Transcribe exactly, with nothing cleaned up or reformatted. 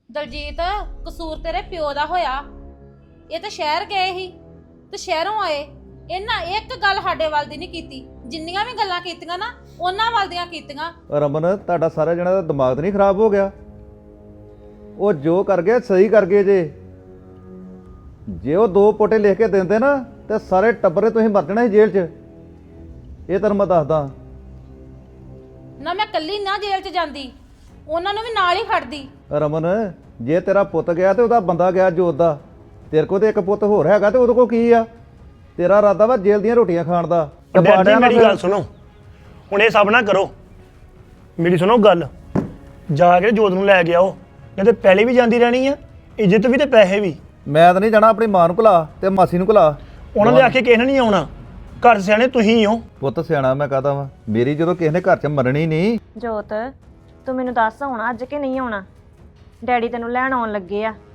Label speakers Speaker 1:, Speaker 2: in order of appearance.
Speaker 1: ਦਲਜੀਤ ਕਸੂਰ ਤੇਰੇ ਪਿਓ ਦਾ ਹੋਇਆ। ਇਹ ਤਾਂ ਸ਼ਹਿਰ ਗਏ ਸੀ ਤੇ ਸ਼ਹਿਰੋਂ ਆਏ, ਇਹਨਾਂ ਇੱਕ ਗੱਲ ਸਾਡੇ ਵੱਲ ਦੀ ਨਹੀਂ ਕੀਤੀ। ਜਿੰਨੀਆਂ ਵੀ ਗੱਲਾਂ ਕੀਤੀਆਂ ਨਾ ਉਹਨਾਂ ਵੱਲ ਦੀਆਂ ਕੀਤੀਆਂ।
Speaker 2: ਰਮਨ ਤੁਹਾਡਾ ਸਾਰਾ ਜਣਾ ਦਾ ਦਿਮਾਗ ਤਾਂ ਨਹੀਂ ਖਰਾਬ ਹੋ ਗਿਆ? ਉਹ ਜੋ ਕਰ ਗਏ ਸਹੀ ਕਰ ਗਏ ਜੇ। ਜੇ ਉਹ ਦੋ ਪੋਟੇ ਲਿਖ ਕੇ ਦਿੰਦੇ ਨਾ ਤੇ ਸਾਰੇ ਟੱਬਰੇ ਤੁਸੀਂ ਮਰ ਜਾਣਾ ਸੀ ਜੇਲ੍ਹ 'ਚ। ਇਹ ਤੈਨੂੰ ਮੈਂ ਦੱਸਦਾ
Speaker 1: ਨਾ ਮੈਂ ਕੱਲੀ ਨਾ ਜੇਲ੍ਹ 'ਚ ਜਾਂਦੀ, ਉਹਨਾਂ ਨੂੰ ਵੀ ਨਾਲ ਹੀ ਖੜਦੀ।
Speaker 2: ਰਮਨ ਜੇ ਤੇਰਾ ਪੁੱਤ ਗਿਆ ਤੇ ਉਹਦਾ ਬੰਦਾ ਗਿਆ ਜੋਤ ਦਾ, ਤੇਰੇ ਕੋਲ ਤੇ ਇੱਕ ਪੁੱਤ ਹੋਰ ਹੈਗਾ ਤੇ ਉਹਦੇ ਕੋਲ ਕੀ ਆ? ਤੇਰਾ ਇਰਾਦਾ ਵਾ ਜੇਲ੍ਹ ਦੀਆਂ ਰੋਟੀਆਂ ਖਾਣ ਦਾ।
Speaker 3: ਡੈਡੀ ਮੇਰੀ ਗੱਲ ਸੁਣੋ, ਹੁਣ ਇਹ ਸਭ ਨਾ ਕਰੋ। ਮੇਰੀ ਸੁਣੋ ਗੱਲ, ਜਾ ਕੇ ਜੋਤ ਨੂੰ ਲੈ ਕੇ ਆਓ, ਨਹੀਂ ਤੇ ਪਹਿਲੇ ਵੀ ਜਾਂਦੀ ਰਹਿਣੀ ਆ, ਇੱਜ਼ਤ ਵੀ ਤੇ ਪੈਸੇ ਵੀ।
Speaker 2: ਮੈਂ ਤਾਂ ਨਹੀਂ ਜਾਣਾ, ਆਪਣੀ ਮਾਂ ਨੂੰ ਭੁਲਾ ਤੇ ਮਾਸੀ ਨੂੰ ਭੁਲਾ।
Speaker 3: ਉਹਨਾਂ ਦੇ ਆਖੇ ਕਿਸੇ ਨੇ ਨਹੀਂ ਆਉਣਾ, ਘਰ ਸਿਆਣੇ ਤੁਸੀਂ ਹੋ।
Speaker 2: ਪੁੱਤ ਸਿਆਣਾ ਮੈਂ ਕਹਦਾ ਵਾ, ਮੇਰੀ ਜਦੋਂ ਕਿਸੇ ਨੇ ਘਰ 'ਚ ਮਰਨੀ ਨਹੀਂ।
Speaker 4: ਜੋਤ ਤੂੰ ਮੈਨੂੰ ਦੱਸ ਆਉਣਾ ਅੱਜ ਕਿ ਨਹੀਂ ਆਉਣਾ? ਡੈਡੀ ਤੈਨੂੰ ਲੈਣ ਆਉਣ ਲੱਗੇ ਆ।